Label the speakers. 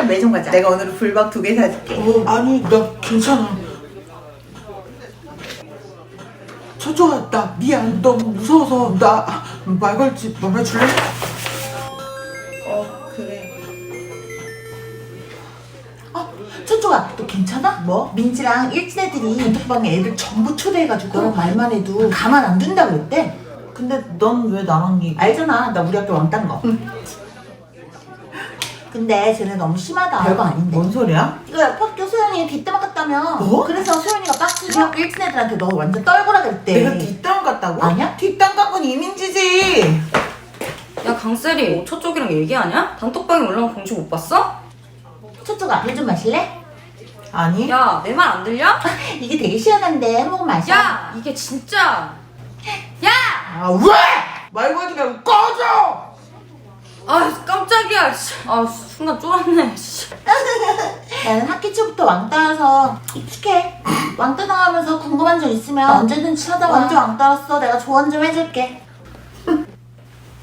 Speaker 1: 편의점 매점 가자. 내가 오늘은 불박 2개 사줄게.
Speaker 2: 아니 나 괜찮아. 초초아 나 미안. 너무 무서워서 나 말 걸지 말아줄래?
Speaker 1: 그래.
Speaker 2: 초초아 너 괜찮아?
Speaker 1: 뭐?
Speaker 2: 민지랑 일진 애들이 단톡방에 애들 전부 초대해가지고 너랑 말만 해도 가만 안 둔다 그랬대.
Speaker 1: 근데 넌 왜 나랑 얘기?
Speaker 2: 알잖아 나 우리 학교 왕딴 거. 근데 쟤네 너무 심하다. 별거 아닌데.
Speaker 1: 뭔 소리야?
Speaker 2: 이거 옆 학교 소연이 뒷담화 같다며.
Speaker 1: 뭐?
Speaker 2: 그래서 소연이가 빡치고 학교 일진 애들한테 너 완전 떨고라 그랬대.
Speaker 1: 내가 뒷담 갔다고?
Speaker 2: 아니야?
Speaker 1: 뒷담 간 건 이민지지.
Speaker 3: 야 강세리 저쪽이랑 얘기하냐? 단톡방에 올라온 공지 못 봤어?
Speaker 2: 초초가 물 좀 마실래?
Speaker 1: 아니?
Speaker 3: 야 내 말 안 들려?
Speaker 2: 이게 되게 시원한데 한 모금 마셔.
Speaker 3: 야 이게 진짜 야!
Speaker 1: 아 왜? 말 걸지 말고 꺼져!
Speaker 3: 아 깜짝이야 아 순간 쫄았네
Speaker 2: 나는 학기 초부터 왕따여서 익숙해. 왕따 당하면서 궁금한 점 있으면 언제든지 찾아와. 완전 왕따였어. 내가 조언 좀 해줄게.